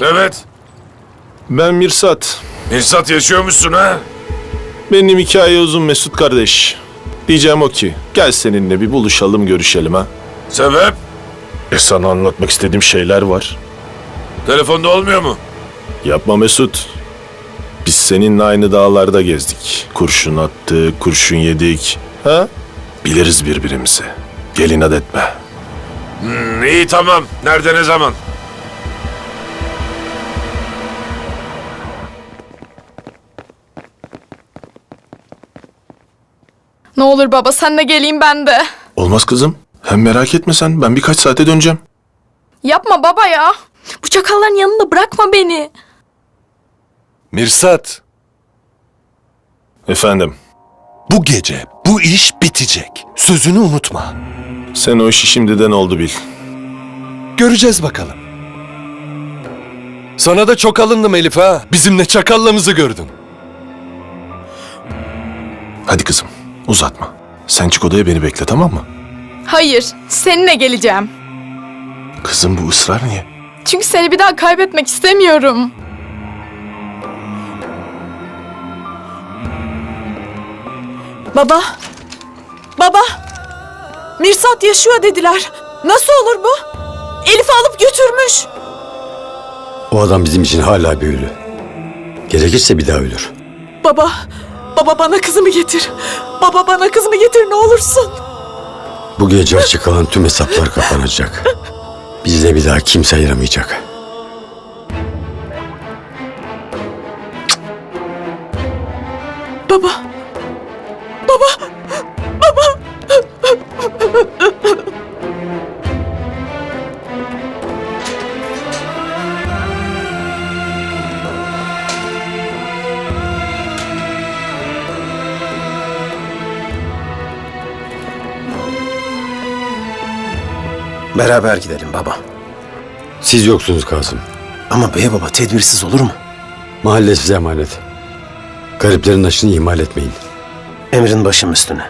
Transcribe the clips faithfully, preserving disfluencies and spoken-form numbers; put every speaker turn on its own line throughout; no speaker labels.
Evet.
Ben Mirsat.
Mirsat yaşıyormuşsun ha?
Benim hikaye uzun Mesut kardeş. Diyeceğim o ki, gel seninle bir buluşalım, görüşelim ha.
Sebep?
E sana anlatmak istediğim şeyler var.
Telefonda olmuyor mu?
Yapma Mesut. Biz seninle aynı dağlarda gezdik. Kurşun attık, kurşun yedik. Ha? Biliriz birbirimizi. Gel inat etme.
Hmm, iyi tamam. Nerede ne zaman?
Ne olur baba sen de geleyim ben de.
Olmaz kızım. Hem merak etme sen. Ben birkaç saate döneceğim.
Yapma baba ya. Bu çakalların yanında bırakma beni.
Mirsat,
Efendim,
bu gece bu iş bitecek. Sözünü unutma.
sen o işi şimdiden oldu bil.
Göreceğiz bakalım. Sana da çok alındım Elif ha. Bizimle çakallığımızı gördün.
Hadi kızım, uzatma. Sen çık odaya, beni bekle, tamam mı?
Hayır, seninle geleceğim.
Kızım, bu ısrar niye?
Çünkü seni bir daha kaybetmek istemiyorum.
Baba! Baba! Mirsat yaşıyor dediler. Nasıl olur bu? Elif'i alıp götürmüş.
O adam bizim için hala bir ölü. Gerekirse bir daha ölür.
Baba! Baba bana kızımı getir. Baba bana kızımı getir ne olursun.
Bu gece açık kalan tüm hesaplar kapanacak. Bizle bir daha kimse ayıramayacak.
Baba! Baba! Baba!
Beraber gidelim baba.
Siz yoksunuz Kasım.
Ama bey baba tedbirsiz olur mu?
Mahalle size emanet. Gariplerin aşını ihmal etmeyin.
Emrin başım üstüne.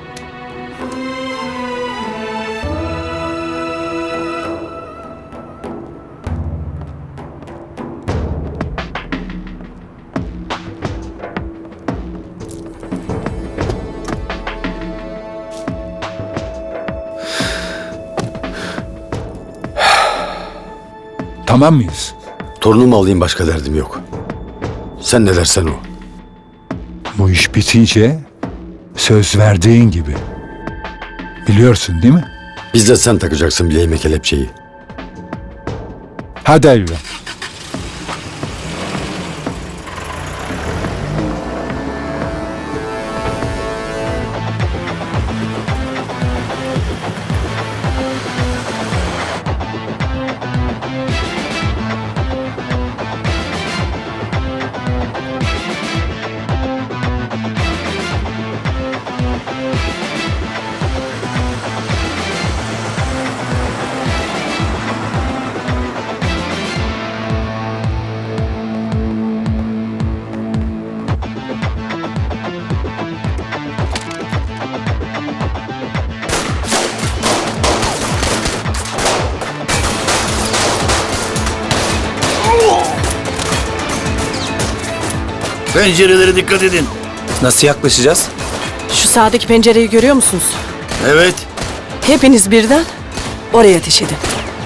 Tamam mıyız?
Torunumu alayım, başka derdim yok. Sen ne dersen o.
Bu iş bitince söz verdiğin gibi. Biliyorsun değil mi?
Bizzat sen takacaksın bileğime kelepçeyi.
Hadi Elvan.
Pencerelere dikkat edin. Nasıl yaklaşacağız?
Şu sağdaki pencereyi görüyor musunuz?
Evet.
Hepiniz birden oraya ateş edin.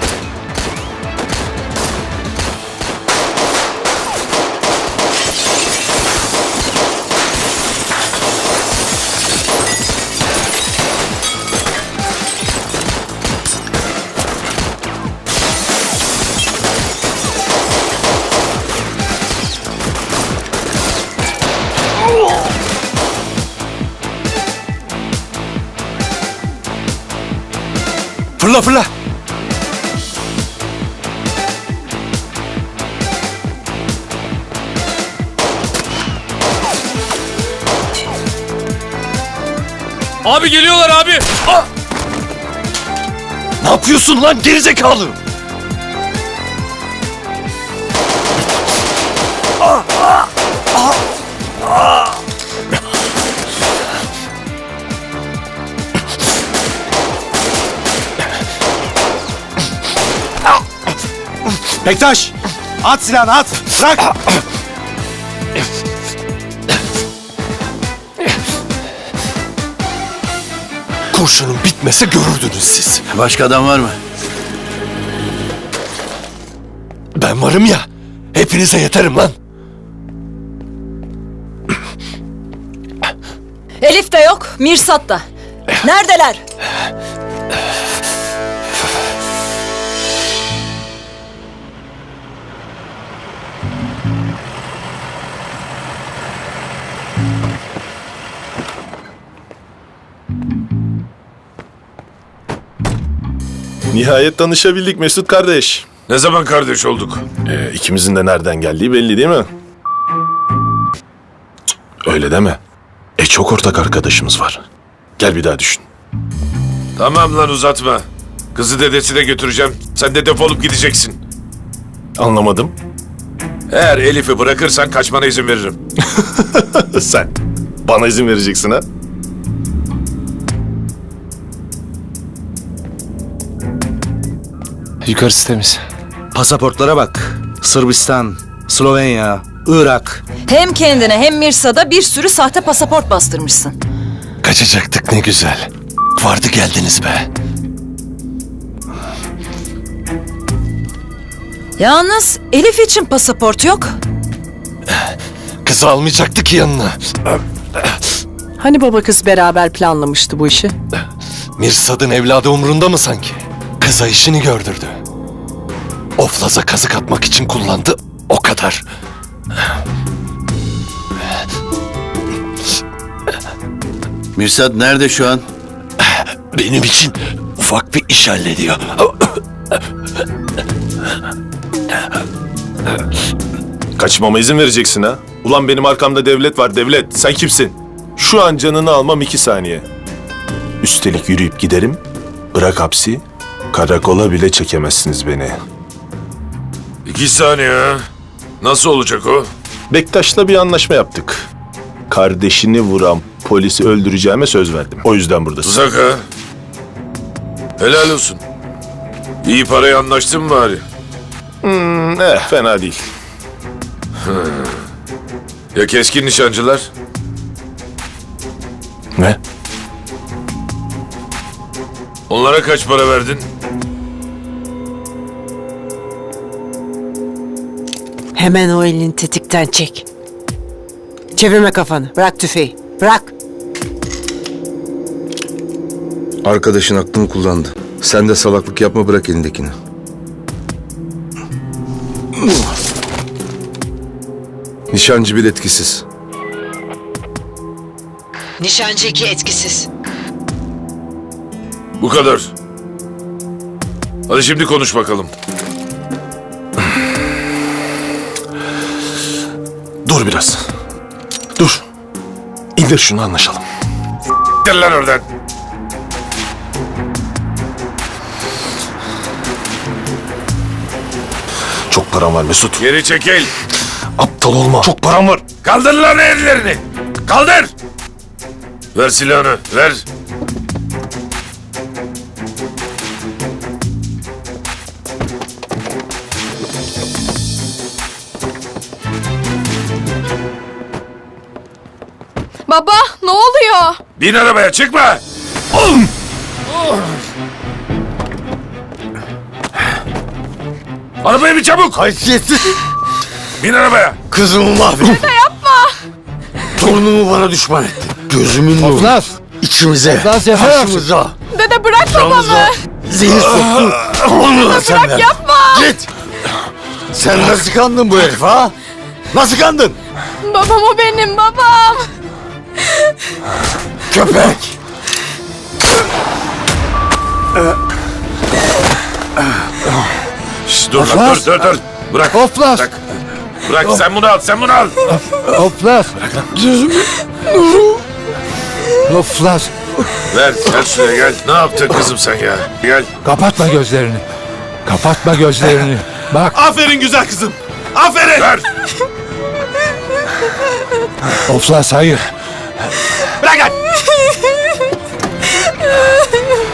Fırla fırla.
Abi geliyorlar abi.
Ne yapıyorsun lan gerizekalı? Bektaş! At silahını at. Bırak. Kurşunun bitmese görürdünüz siz.
Başka adam var mı?
Ben varım ya. Hepinize yeterim lan.
Elif de yok, Mirsat da. Neredeler?
Nihayet tanışabildik Mesut kardeş.
Ne zaman kardeş olduk?
Ee, ikimizin de nereden geldiği belli değil mi? Cık, öyle deme. E çok ortak arkadaşımız var. Gel bir daha düşün.
Tamam lan uzatma. Kızı dedesine götüreceğim. Sen de defolup gideceksin.
Anlamadım.
Eğer Elif'i bırakırsan kaçmana izin veririm.
Sen bana izin vereceksin ha?
Yukarısı temiz.
Pasaportlara bak. Sırbistan, Slovenya, Irak.
Hem kendine hem Mirsat'a bir sürü sahte pasaport bastırmışsın.
Kaçacaktık ne güzel. Vardı geldiniz be.
Yalnız Elif için pasaport yok.
Kızı almayacaktık ki yanına.
Hani baba kız beraber planlamıştı bu işi?
Mirsat'ın evladı umrunda mı sanki? Kıza işini gördürdü. Oflaz'a kazık atmak için kullandı, o kadar.
Mirsad nerede şu an?
Benim için ufak bir iş hallediyor.
Kaçmama izin vereceksin ha? Ulan benim arkamda devlet var devlet. Sen kimsin? Şu an canını almam iki saniye. Üstelik yürüyüp giderim. Bırak hapsi. Karakola bile çekemezsiniz beni.
İki saniye ha. Nasıl olacak o?
Bektaş'la bir anlaşma yaptık. Kardeşini vuran polisi öldüreceğime söz verdim. O yüzden buradasın.
Uzak ha. Helal olsun. İyi parayı anlaştın mı bari?
Hmm, eh, fena değil.
Ya keskin nişancılar?
Ne?
Onlara kaç para verdin?
Hemen o elini tetikten çek. Çevirme kafanı. Bırak tüfeği. Bırak.
Arkadaşın aklını kullandı. Sen de salaklık yapma, bırak elindekini. Nişancı bir etkisiz.
Nişancı iki etkisiz.
Bu kadar. Hadi şimdi konuş bakalım.
Dur biraz. Dur. İndir şunu anlaşalım.
Gel lan oradan.
Çok param var Mesut.
Geri çekil.
Aptal olma. Çok param var.
Kaldır lan ellerini. Kaldır. Ver silahını. Ver.
Baba ne oluyor?
Bin arabaya çıkma. Arabaya bir çabuk.
Haysiyetsiz.
Bin arabaya.
Kızımı mahvettin.
Dede yapma.
Torunumu bana düşman etti. Gözümün nuru.
Oflas!
İçimize,
Oflas yapar mısın?
başımıza,
Dede bırak babamı.
zehir soktun. Onu da sen ver.
Yapma.
Git. Sen nasıl kandın bu herif ha? Nasıl kandın?
Babam o benim babam.
Köpek.
Şş, dur lan
Oflas.
dur dur dur. Bırak.
Oflas!
Bırak. Bırak sen bunu al sen bunu al.
Oflas! Oflas!
Ver gel şuraya gel. Ne yaptın kızım sen ya? Gel.
Kapatma gözlerini. Kapatma gözlerini. Bak,
Aferin güzel kızım. Aferin.
Ver.
Oflas hayır.
Bırak lan.